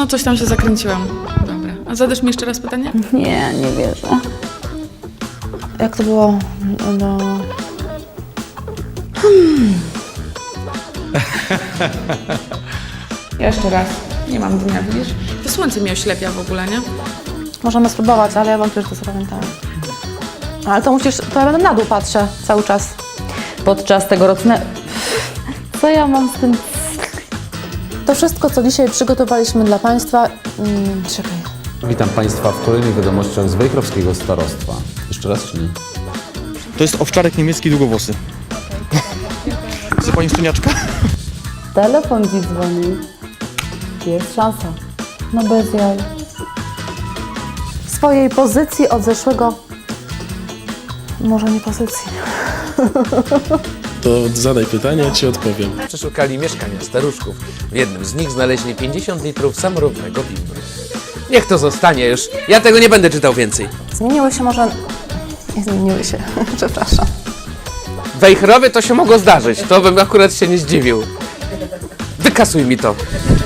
No coś tam się zakręciłam. Dobra. A zadasz mi jeszcze raz pytanie? Nie, nie wierzę. Jak to było? No... Jeszcze raz. Nie mam dnia, widzisz? To słońce mnie oślepia w ogóle, nie? Możemy spróbować, ale ja wątpię, że to zapamiętałam. Ale to musisz... To ja będę na dół patrzę cały czas. Podczas tegorocznego... Co ja mam z tym... To wszystko, co dzisiaj przygotowaliśmy dla Państwa... Czekaj. Witam Państwa w kolejnych wiadomościach z Wejherowskiego Starostwa. Jeszcze raz czy nie? To jest owczarek niemiecki długowłosy. Chce pani szczeniaczka? Telefon dziś dzwoni. Jest szansa. No bez jaj. W swojej pozycji od zeszłego... Może nie pozycji. To zadaj pytanie, ja Ci odpowiem. Przeszukali mieszkania staruszków. W jednym z nich znaleźli 50 litrów samorównego bimbru. Niech to zostanie już. Ja tego nie będę czytał więcej. Zmieniły się może... Nie zmieniły się. Przepraszam. W Wejherowie to się mogło zdarzyć. To bym akurat się nie zdziwił. Wykasuj mi to.